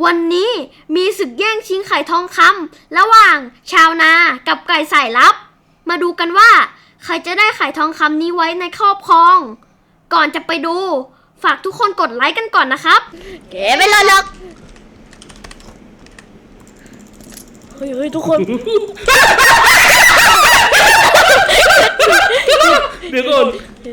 วันนี้มีศึกแย่งชิงไข่ทองคำระหว่างชาวนากับไก่สายลับมาดูกันว่าใครจะได้ไข่ทองคำนี้ไว้ในครอบครองก่อนจะไปดูฝากทุกคนกดไลค์กันก่อนนะครับเก๋ไม่รอหรอกเฮ้ยทุกคนเดี๋ยวก่อน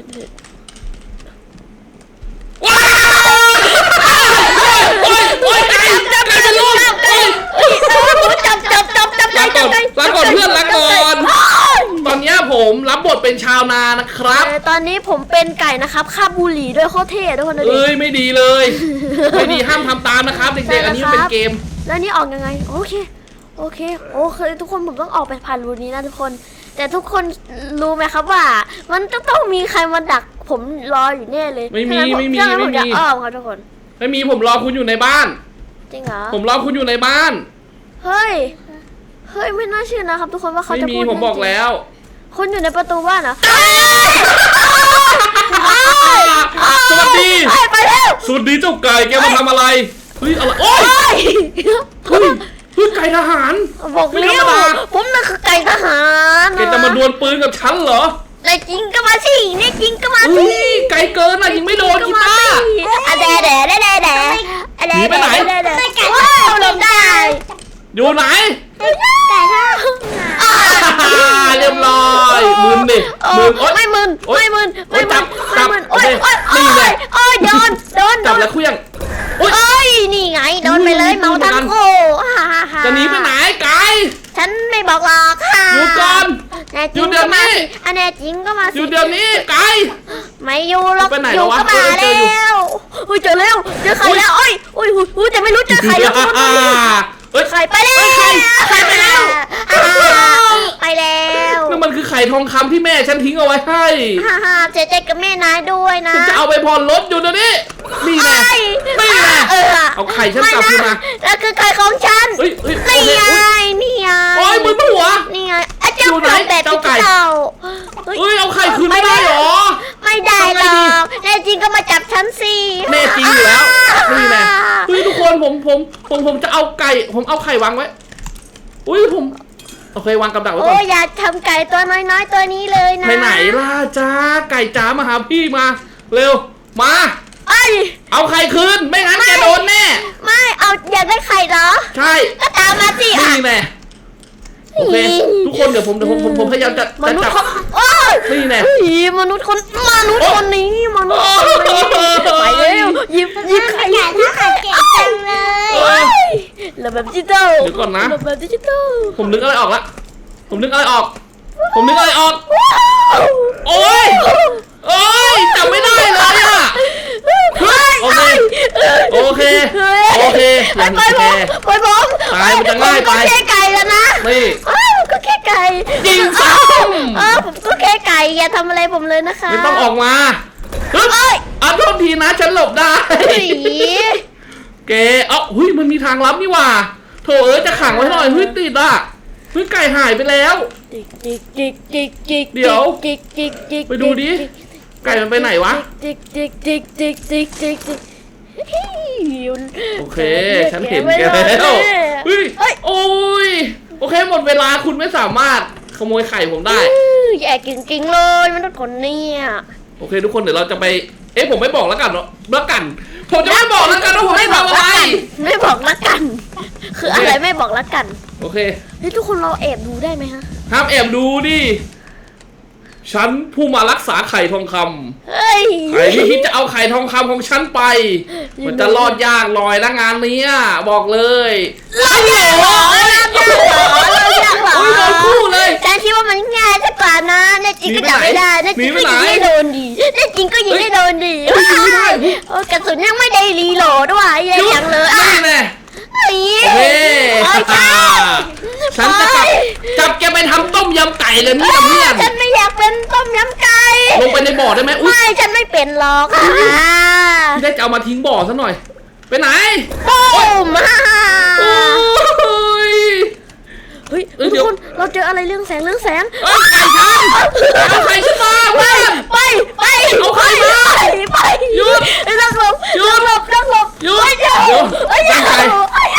ลาก่อนเพื่อนลาก่อนตอนนี้ผมรับบทเป็นชาวนานะครับตอนนี้ผมเป็นไก่นะครับคาบบุหรี่ด้วยโคตรเท่ทุกคนดูดิไม่ดีเลยไม่ดีห้ามทำตามนะครับเด็กๆอันนี้เป็นเกมแล้วนี่ออกยังไงโอเคทุกคนผมต้องออกไปผ่านรูนี้นะทุกคนแต่ทุกคนรู้ไหมครับว่ามันต้องมีใครมาดักผมรออยู่แน่เลยไม่มีผมจะอ้อมครับทุกคนไม่มีผมรอคุณอยู่ในบ้านจริงเหรอผมรอคุณอยู่ในบ้านเฮ้ยไม่น่าเชื่อนะครับทุกคนว่าเขาจะพูดผมบอกแล้วคนอยู่ในประตูบ้านเหรอสวัสดีไปแล้วสวัสดีเจ้าไก่แกมาทำอะไรเฮ้ยอะไรโอ้ยไก่ทหารบอกแล้วผมนั่นคือไก่ทหารแกจะมาดวลปืนกับฉันเหรอแต่จริงก็มาสิเนี่ยจริงก็มาสิไกลเกินอ่ะยิงไม่โดนกีตาร์แด่หนีไปไหนหลบได้อยู่ไหนไก่ทหารเรียบร้อยมึนดิไม่มึนจับโอ้ยโดนจับแล้วเคลื่องนี่ไงโดนไปเลยเมาทั้งคู่จะหนีไปไหนไก่ฉันไม่บอกหรอกค่ะอยู่ก่อนอยู่เดี๋ยวนี้อันแน่จริงก็มาอยู่เดี๋ยวนี้ไก่ไม่อยู่หรอกอยู่ก็มาแล้วเจอแล้วเจอใครแล้วแต่ไม่รู้เจอใครแล้วใครไปแล้วใครไปแล้วไปแล้วนั่นมันคือไข่ทองคำที่แม่ฉันทิ้งเอาไว้ให้เจ๊กับแม่นายด้วยนะจะเอาไปผ่อนรถอยู่เดี๋ยวนี้นี่แน่เอาไข่ฉันกลับคืนมาแล้วคือไข่ของฉันนี่ไงโอ้ยมือหัวนี่ไงอยู่ไหนเจ้าไก่เอาไข่คืนไม่ได้หรอไม่ได้หรอกแน่จริงก็มาจับฉันสิแน่จริงอยู่แล้วนี่แน่ทุกคนผมจะเอาไก่ผมเอาไข่วางไว้ผมโอเควางกับดักไว้ก่อนอยากทำไก่ตัวน้อยๆตัวนี้เลยนะไปไหนล่ะจ้าไก่จ๋ามาหาพี่มาเร็วมาเอาไข่คืนไม่งั้นแกโดนแน่ไม่เอาอยากได้ไข่เหรอใช่ก็ตามมาสินี่แน่โอเคทุกคนเดี๋ยวผมพยายามจะจับนี่แน่มนุษย์คนนี้ไปเร็วหยิบไข่ถ้าไข่เก่งจังเลยระบบดิจิตอลเดี๋ยวก่อนนะระบบดิจิตอลผมนึกอะไรออกโอ้ยจำไม่ได้เลยอ่ะโอเคไปผมตายมันจะง่ายไปก็แค่ไก่แล้วนะนี่ก็แค่ไก่ยิงซ้ำผมก็แค่ไก่อย่าทำอะไรผมเลยนะคะไม่ต้องออกมาโทษทีนะฉันหลบได้เก๋มันมีทางลับนี่ว่าโถจะขังไว้หน่อยติดอ่ะไก่หายไปแล้วเดี๋ยวไปดูดิไก่มันไปไหนวะโอเคฉันเห็นแกแล้วโอเคหมดเวลาคุณไม่สามารถขโมยไข่ผมได้แย่จริงๆเลยมันต้องคนนี้โอเคทุกคนเดี๋ยวเราจะไปผมไม่บอกแล้วกันเนาะผมจะไม่บอกแล้วกันว่าผมไม่ทำอะไรไม่บอกแล้วกันคืออะไรไม่บอกแล้วกันโอเคทุกคนเราแอบดูได้ไหมฮะห้ามแอบดูดิฉันผู้มารักษาไข่ทองคำใครที่คิดจะเอาไข่ทองคำของฉันไปมันจะรอดยากลอยละงานนี้บอกเลยรอดยากหรอโดนคู่เลยฉันคิดว่ามันง่ายสักกว่านะแน่จริงก็จับไม่ได้แน่จริงก็ยิงไม่โดนดีแน่จริงก็ยิงไม่โดนดีกระสุนยังไม่ได้รีโหลดด้วยยังเลยฉันจะจับแกไปทำต้มยำไก่เลยเนี่ยเพื่อนฉันไม่อยากเป็นต้มยำไก่ลงไปในบ่อได้ไหมไม่ฉันไม่เป็นหรอกได้จะเอามาทิ้งบ่อซะหน่อยไปไหนทุกคนเราเจออะไรเรื่องแสงไก่ฉันเอาไข่ฉันมาไปเอาไข่มาหยุดนั่งหลบหยุด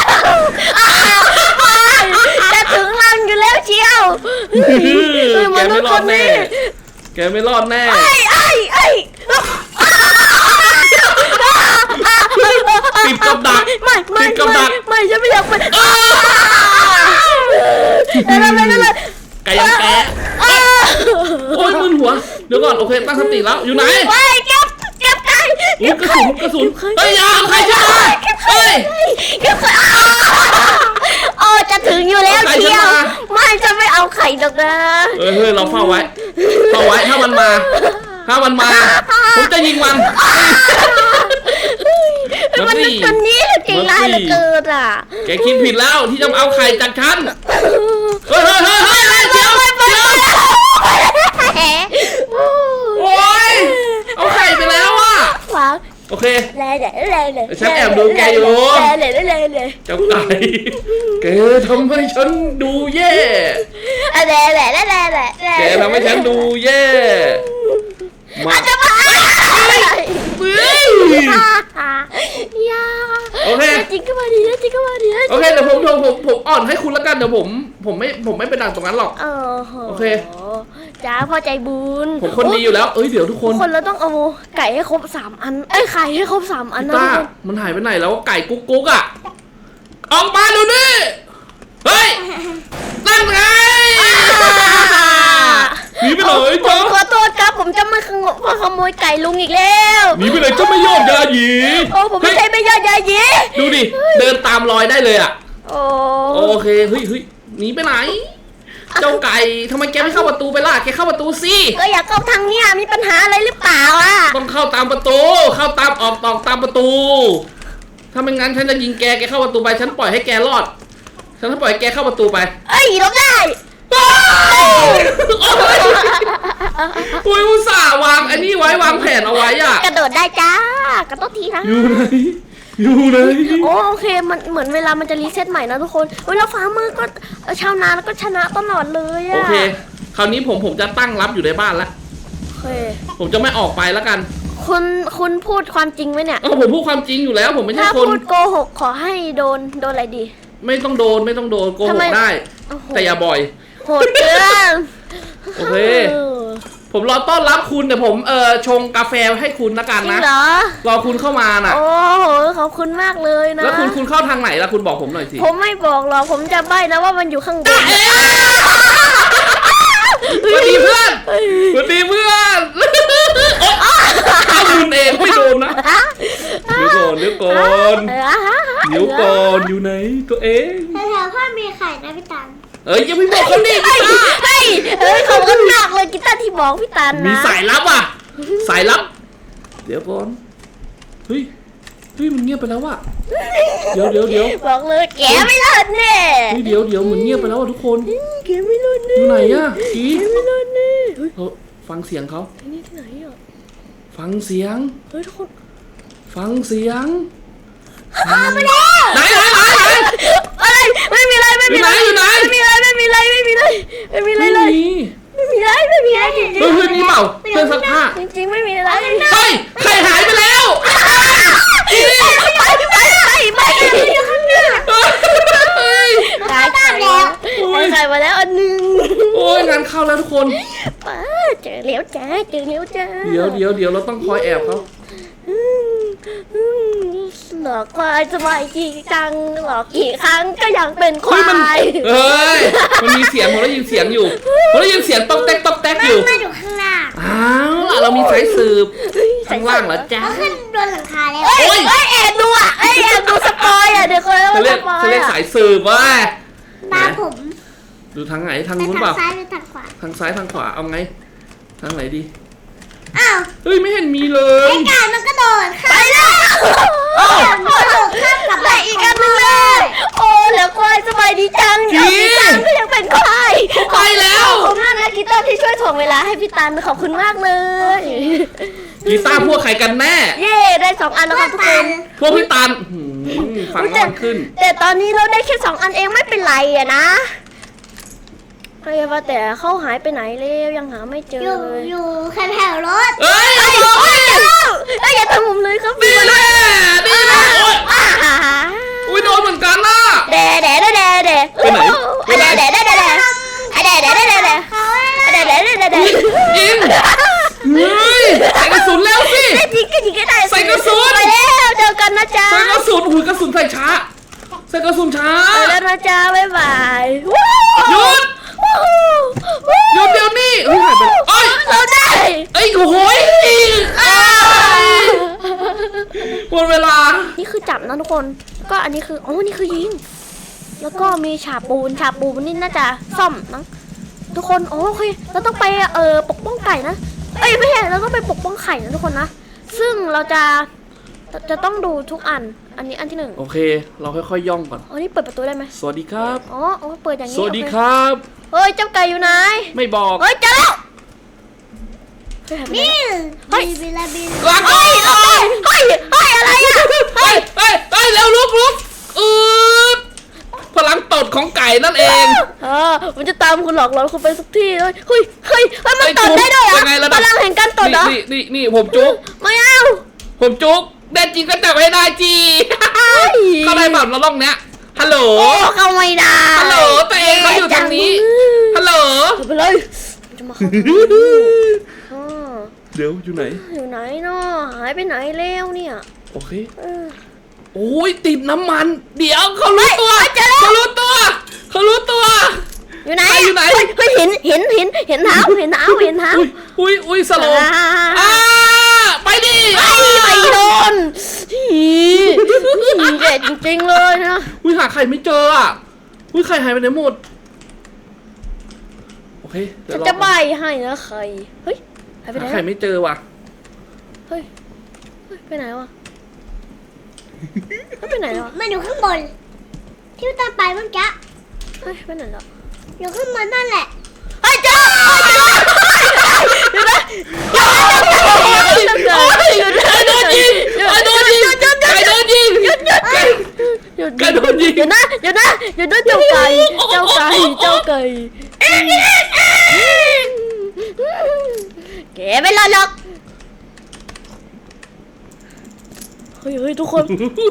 แกไม่รอดแน่แกไม่รอดแน่ติดกับดักติดกับดักไม่ฉันไม่อยากไปไก่ยังแกโอ้ยมึนหัวเดี๋ยวก่อนโอเคตั้งสติแล้วอยู่ไหนเก็บไก่กระสุนเฮ้ยอย่าเอาใครจะมาเฮ้ยเก็บไก่จะถึงอยู่แล้วเชียวไม่จะไม่เอาไข่หรอกนะเฮ้ยเราเฝ้าไว้ถ้ามันมาผมจะยิงมันมันนี้จริงร้ายเหลือเกินอ่ะแกคิดผิดแล้วที่จะเอาไข่จากฉันเฮ้ยเดี๋ยวโอ้ยเอาไข่ไปแล้วอ่ะโอเคฉันแอบดูแกอยู่เจ้าไก่แกทำให้ฉันดูแย่แกทำให้ฉันดูแย่มาโอเคจริงก็มาดีโอเคเดี๋ยวผมอ่อนให้คุณแล้วกันเดี๋ยวผมไม่ไปดังตรงนั้นหรอกโอเคจ้าพ่อใจบุญผมคนดีอยู่แล้วเดี๋ยวทุกคนเราต้องเอาไก่ให้ครบ3 อันไข่ให้ครบ3 อันนะมันหายไปไหนแล้วไก่กุ๊กอ่ะออกมาดูดิเฮ้ยนั่นไงหนีไปเลยจ้าขอโทษครับผมจะไม่ขโมยไก่ลุงอีกแล้วหนีไปเลยจะไม่ยอดยาหยีผมไม่ใช่ไม่ยอดยาหยีดูดิเดินตามรอยได้เลยอ่ะโอเคเฮ้ยหนีไปไหนเจ้าไก่ทำไมแกไม่เข้าประตูไปล่ะแกเข้าประตูสิก็อยากเข้าทางเนี้ยมีปัญหาอะไรหรือเปล่าอ่ะต้องเข้าตามประตูเข้าตามออกตามประตูถ้าไม่งั้นฉันจะยิงแกเข้าประตูไปฉันปล่อยให้แกรอดฉันจะปล่อยแกเข้าประตูไปลบได้อุ้ยอุตส่าห์วางอันนี้ไว้วางแผนเอาไว้อ่ะกระโดดได้จ้ากระโดดทีนะอยู่ไหนโอเคมันเหมือนเวลามันจะรีเซ็ตใหม่นะทุกคนเวลาฟ้ามืดก็ชาวนาแล้วก็ชนะตลอดเลยอ่ะโอเคคราวนี้ผมจะตั้งรับอยู่ในบ้านแล้วผมจะไม่ออกไปแล้วกันคุณพูดความจริงไหมเนี่ยผมพูดความจริงอยู่แล้วผมไม่ใช่คนถ้าพูดโกหกขอให้โดนอะไรดีไม่ต้องโดนโกหกได้แต่อย่าบ่อยโหดเกินโอเคผมรอต้อนรับคุณแต่ผมชงกาแฟให้คุณละกันนะรอคุณเข้ามาน่ะโอ้โหขอบคุณมากเลยนะแล้วคุณเข้าทางไหนล่ะคุณบอกผมหน่อยสิผมไม่บอกหรอกผมจะใบ้นะว่ามันอยู่ข้างบนสวัสดีเพื่อนถ้าคุณเองไม่โดนนะเดี๋ยวก่อนอยู่ไหนตัวเองแถวพ่อมีไข่นะพี่ตันยังไม่บอกเขาดิพี่ตาเขาก็หนักเลยกีตาร์ที่บอกพี่ตันนะมีสายลับอ่ะสายลับเดี๋ยวก่อนเฮ้ยมันเงียบไปแล้วว่ะเดี๋ยวบอกเลยแกไม่รอดแน่เดี๋ยวมันเงียบไปแล้วทุกคนแกไม่รอดแน่อยู่ไหนอ่ะแกไม่รอดแน่ฟังเสียงเขาที่ไหนอ่ะฟังเสียงทุกคนฟังเสียงไปแล้วไหนอะไรไม่มีอะไรอยู่ไหนไม่มีอะไรจริงเฮ้ยนี่เปล่าเครื่องซักผ้าจริงไม่มีอะไรเฮ้ยไข่หายไปแล้วไม่อยู่ข้างหน้าตายแล้วไข่มาแล้วอันนึงโอ้ยงานเข้าแล้วทุกคนเจอแล้วจ้าเดี๋ยวเราต้องคอยแอบเขาหลอกควายสบายจริงจังหลอกกี่ครั้งก็ยังเป็นควายมันมีเสียงผมได้ยินเสียงอยู่ผมได้ยินเสียงต๊อกแต๊กอยู่ไม่อยู่ข้างล่างเรามีสายสืบข้างล่างเหรอจ๊ะขึ้นบนหลังคาแล้วแอบดูแอบดูสปอยเดี๋ยวคนเขาเรียกสายสืบว่าตาผมดูทางไหนทางนู้นเปล่าทางซ้ายหรือทางขวาทางซ้ายทางขวาเอาไงทางไหนดีเฮ้ยไม่เห็นมีเลยไอ้ไก่มันก็โดดไปแล้วมันโดดข้ามกลับไปอีกอันนึงเลยแล้วควายสบายดีจังพี่ตันก็ยังเป็นควายไปแล้วขอบคุณมากนะกีตาร์ที่ช่วยถ่วงเวลาให้พี่ตันขอบคุณมากเลยกีตาร์พวกใครกันแน่ได้2 อันแล้วครับทุกคนพวกพี่ตันฟังมันขึ้นแต่ตอนนี้เราได้แค่2 อันเองไม่เป็นไรอะนะว่าแต่เขาหายไปไหนแล้วยังหาไม่เจอเลยอยู่แค่แถวรถอย่าทำผมเลยครับดีนะอุ้ยโดนเหมือนกันล่ะไปไหนยิงเฮ้ยใส่กระสุนแล้วสิยิงก็ยิงก็ได้ใส่กระสุนไปแล้วเจอกันนะจ๊ะใส่กระสุนอุ้ยกระสุนใส่ช้าใส่กระสุนช้าไปแล้วนะจ๊ะบ๊ายบายหยุดหยุดเดี๋ยวนี้เฮ้ยหายไปเอ้ยเราได้เอ้ยโอ้โหหมดเวลานี่คือจับนะทุกคนก็อันนี้คืออ๋อนี่คือยิงแล้วก็มีฉาบปูนนี่น่าจะซ่อมนะทุกคนโอเคเราต้องไปปกป้องไก่นะเอ้ยไม่ใช่เราต้องไปปกป้องไข่นะทุกคนนะซึ่งเราจะต้องดูทุกอันนี้อันที่ 1 โอเค เราค่อยๆย่องก่อนอ๋อนี่เปิดประตูได้ไหมสวัสดีครับอ๋อเปิดอย่างนี้สวัสดีโอเครับเฮ้ยเจ้าไก่อยู่ไหนไม่บอกเฮ้ยเจอแล้วนี่เฮ้ยลากก่อนเฮ้ยอะไรอ่ะเฮ้ยเร็วลุกพลังตดของไก่นั่นเองมันจะตามคุณหลอกหลอนคุณไปสักที่เลยเฮ้ยมันตดได้ด้วยเหรอพลังแห่งการตดเหรอนี่ผมจุกไม่เอาผมจุกแน่จริงก็จับให้ได้จีเข้าได้แบบเราล่องเนี้ยฮัลโหลเข้าไม่ได้ฮัลโหลตัวเองเขาอยู่ทางนี้ฮัลโหลไปเลยจะมาเข้าเดี๋ยวอยู่ไหนอยู่ไหนเนาะหายไปไหนแล้วเนี่ยโอเคโอ้ยติดน้ำมัน เดี๋ยวเขารู้ตัวอยู่ไหนอยู่ไหนเฮ้ยเห็นเท้าอุ้ยสโลว์ไปดิไปโดนเด็ดจริงๆเลยนะอุ้ยหาไข่ไม่เจออุ้ยไข่หายไปไหนหมดโอเคเดี๋ยวจะใบให้นะไข่เฮ้ยหายไปไหนหาไข่ไม่เจอว่ะเฮ้ยไปไหนวะไปไหนวะมันอยู่ข้างบนที่ตาไปเมื่อกี้เฮ้ยไปไหนแล้วอยู่ข้างบนนั่นแหละเฮ้ยเจอโดนยิงไก่โดนยิงหยุดนะเจ้าไก่แกไม่รอดหรอกเฮ้ยทุกคน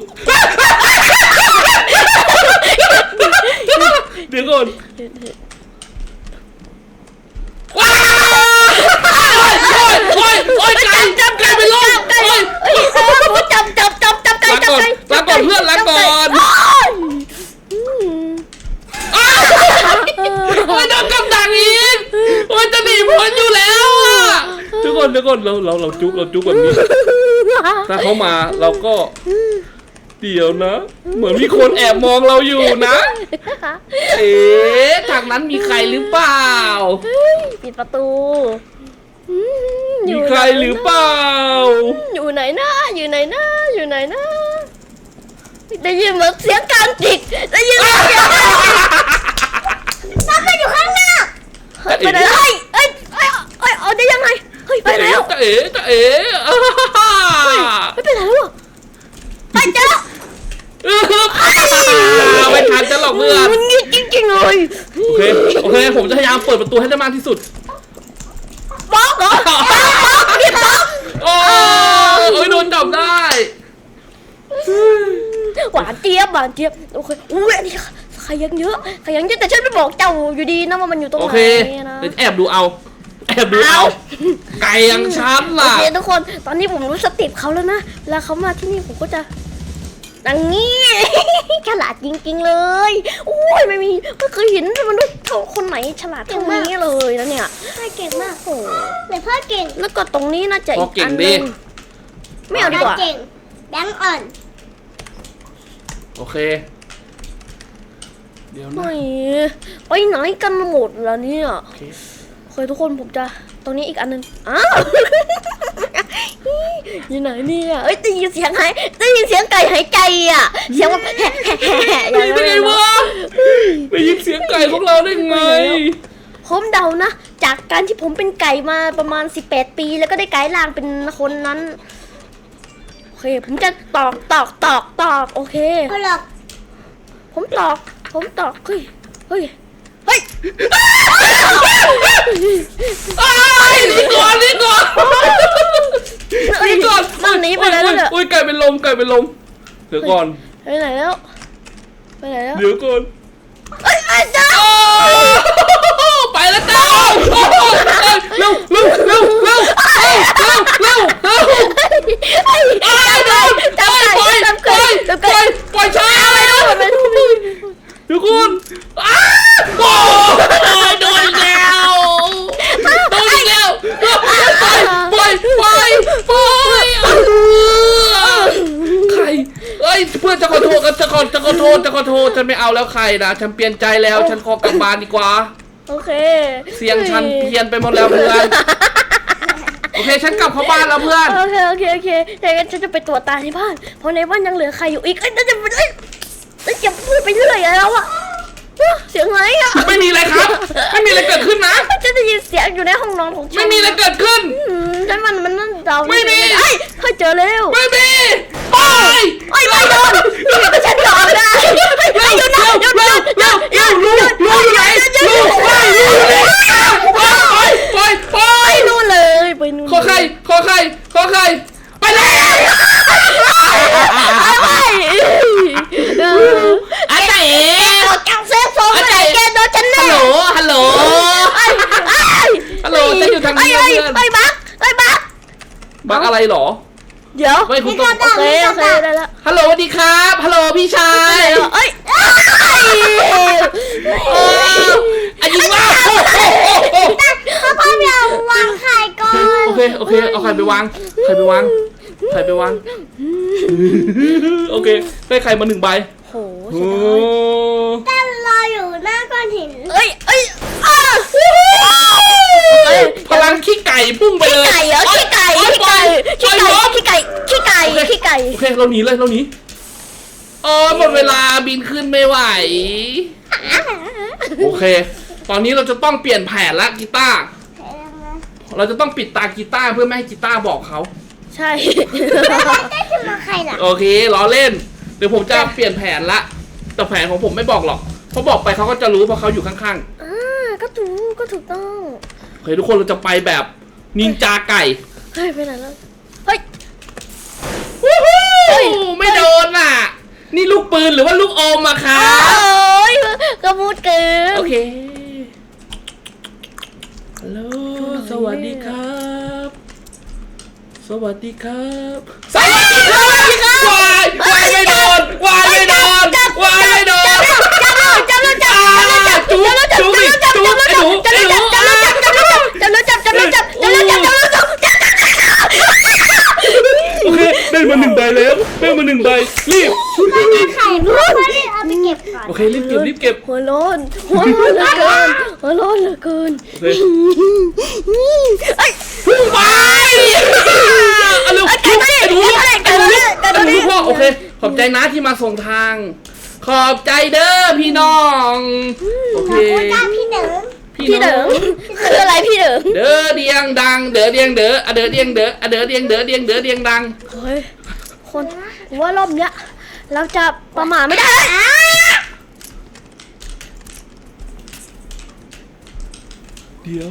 เดี๋ยวก่อนว้าวโอ้ยไก่ไปลงจับไก่ลาก่อนเพื่อนลาก่อนโอ้ยโดนกำดักอีกโอ้ยจะหนีพ้นอยู่แล้วทุกคนเราจุกแบบนี้ถ้าเขามาเราก็เดี๋ยวนะ เหมือนมีคนแอบมองเราอยู่นะทางนั้นมีใครหรือเปล่าปิดประตูมีใครหรือเปล่าอยู่ไหนนะได้ยินเหมือนเสียงการจิกได้ยินเสียงมันอยู่ข้างหน้าไปไหนเอ้ยเอาได้ยังไงเฮ้ยไปแล้วจะเอ๋ไม่เป็นไรแล้วไปเจอไม่ทันจะหลอกเพื่อนมันงี้จริงๆเลยโอเคผมจะพยายามเปิดประตูให้ได้มากที่สุดบอกเหรอพี่บอกโอ้ยโดนจับได้หวานเจี๊ยบโอเคอุ้ยอันนี้ใครยังเยอะแต่ฉันไม่บอกเจ้าอยู่ดีนะว่ามันอยู่ตรงไหนนะแอบดูเอาไก่ยังช้ำล่ะโอเคทุกคนตอนนี้ผมรู้สเต็ปเขาแล้วนะแล้วเขามาที่นี่ผมก็จะดังนี้ฉลาดจริงๆเลยโอ้ยไม่เคยเห็นมนุษย์คนไหนฉลาดเท่านี้เลยนะเนี่ยพ่อเก่งมากโอ้แต่พ่อเก่งแล้วก็ตรงนี้น่าจะอีกอันนึงไม่เอาดีกว่าเก่งแบงค์อ่อนโอเคเดี๋ยวนะไปไหนกันหมดแล้วเนี่ยโอเคทุกคนผมจะตรงนี้อีกอันนึงอ้าวอยู่ไหนเนี่ยได้ยินเสียงไก่หายใจอ่ะเสียงว่าแหะอย่างนั้นได้ไงวะได้ยินเสียงไก่ของเราได้ไงผมเดานะจากการที่ผมเป็นไก่มาประมาณ18 ปีแล้วก็ได้กลายร่างเป็นคนนั้นโอเคผมจะตอกโอเคพ่อหลอกผมตอกเฮ้ยนี่ก่อนมันหนีไปแล้วเนี่ยไก่เป็นลมเดี๋ยวก่อนไปไหนแล้วเดี๋ยวก่อนเจ้าไปเร็วเร็วเร็วเร็วเร็วเร็วเร็วปล่อยช้าทุกคนโอ้ยโดนแล้วปล่อยใครเอ้ยเพื่อนจะขอโทษกันจะขอโทษฉันไม่เอาแล้วใครนะฉันเปลี่ยนใจแล้วฉันขอกลับบ้านดีกว่าโอเคเสียงฉันเพี้ยนไปหมดแล้วเพื่อนโอเคฉันกลับเข้าบ้านแล้วเพื่อนโอเคแต่งั้นฉันจะไปตรวจตาในบ้านเพราะในบ้านยังเหลือใครอยู่อีกจะพูดไปเรื่อยแล้วอะเสียงอะไรอะไม่มีอะไรครับไม่มีอะไรเกิดขึ้นนะฉันได้ยินเสียงอยู่ในห้องนอนของฉันไม่มีอะไรเกิดขึ้นฉันมันนั่นเดาไม่มีเฮ้ยเจอแล้วไม่มีไปไม่โดนนี่ฉันยอมได้หยุดนะลูอยู่ไหนลูไปนู่นเลยไปนู่นขอใครไปเลยอะไรจังเซฟโซ่ไหนแกโดนฉันแน่ฮัลโหลฉันอยู่ทางนี้เพื่อนไอ้บักอะไรหรอเดี๋ยวไม่คุณต้องโอเคได้แล้วฮัลโหลสวัสดีครับฮัลโหลพี่ชายอันนี้ว่าพ่อเดี๋ยววางไข่ก่อนโอเคเอาไข่ไปวางโอเคได้ไข่มา1 ใบโหโอ้แต่รออยู่หน้าก้อนหินพลังขี้ไก่พุ่งไปเลยขี้ไก่โอเคเราหนีหมดเวลาบินขึ้นไม่ไหวโอเคตอนนี้เราจะต้องเปลี่ยนแผนละกีตาร์เราจะต้องปิดตากีตาร์เพื่อไม่ให้กีตาร์บอกเขาใช่ได้ขึ้นมาใครล่ะโอเคล้อเล่นเดี๋ยวผมจะเปลี่ยนแผนละแต่แผนของผมไม่บอกหรอกเพราะบอกไปเขาก็จะรู้เพราะเขาอยู่ข้างๆก็ถูกต้องโอเคทุกคนเราจะไปแบบนินจาไก่เฮ้ยไปไหนแล้วเฮ้ยไม่โดนอ่ะนี่ลูกปืนหรือว่าลูกอมอะคะกระมูดเกินโอเคฮัลโหลสวัสดีครับวายไม่โดนจุ๊บโอเคได้มา1 ใบแล้วรีบไข่พ่อได้เอาไปเก็บก่อนโอเครีบเก็บหัวร้อนเหลือเกินพุ่งไปลูกพ่อโอเคขอบใจนะที่มาส่งทาง ขอบใจเด้อพี่น้องโอเคพี่เดิมพี่เดิมคืออะไรพี่เดิมเด้อเดียงดังเด้อเดียงเด้อเด้อเดียงเด้อเด้อเดียงเด้อเดียงดังเฮ้ยคนว่ารอบเนี้ยเราจะประมาทไม่ได้เดี๋ยว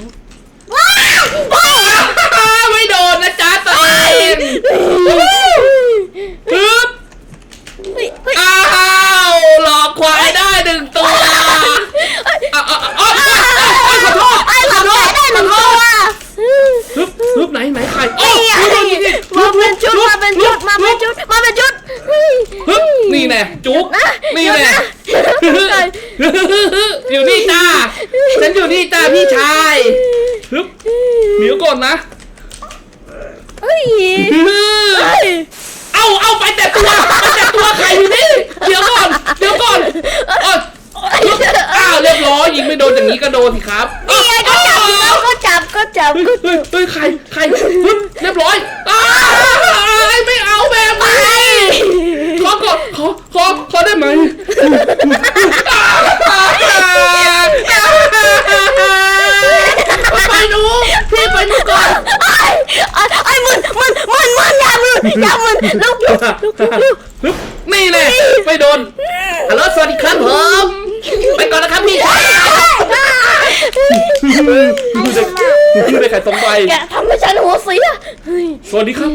ไม่โดนนะจ๊ะตัวเองปึ๊บอ้าวหลอกควายได้1 ตัวขอโทษได้1 ตัวปึ๊บไหนใครมาเป็นชุดนี่แน่จุ๊บนี่แน่อยู่นี่จ้าฉันอยู่นี่จ้าพี่ชายปึ๊บเดี๋ยวก่อนนะเอาไปแต่ตัวใครอยู่นี่เดี๋ยวก่อนเรียบร้อยยิงไม่โดนอย่างนี้ก็โดนสิครับก็จับเฮ้ยใครเรียบร้อยไม่เอาแบบนี้ขอได้ไหมไปหนูพี่ไปหนูก่อนมันอย่ามึนลุกนี่แหละไม่โดนฮัลโหลสวัสดีครับผมไปก่อนนะครับพี่ได้ไข่2 ใบแกทำให้ฉันหัวเสียสวัสดีครับ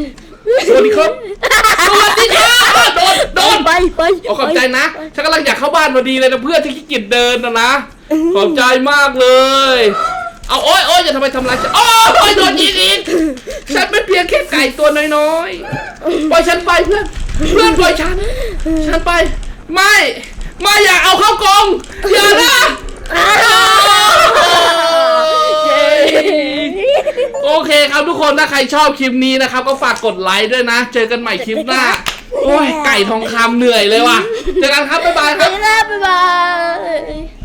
โดนไปขอบใจนะฉันกำลังอยากเข้าบ้านพอดีเลยนะเพื่อนที่ขี้เกียจเดินนะขอบใจมากเลย เอเอาโอ๊ยอย่าทำไมทำร้ายฉันโอ๊ยโดนยิงอีกฉันเป็นเพียงแค่ไก่ตัวน้อยๆปล่อยฉันไปเพื่อนปล่อยฉันไปไม่อย่าเอาเข้ากรงอย่านะโอเคครับทุกคนถ้าใครชอบคลิปนี้นะครับก็ฝากกดไลค์ด้วยนะเจอกันใหม่คลิปหน้าโอ้ยไก่ทองคำเหนื่อยเลยว่ะเจอกันครับบ๊ายบายครับบ๊ายบาย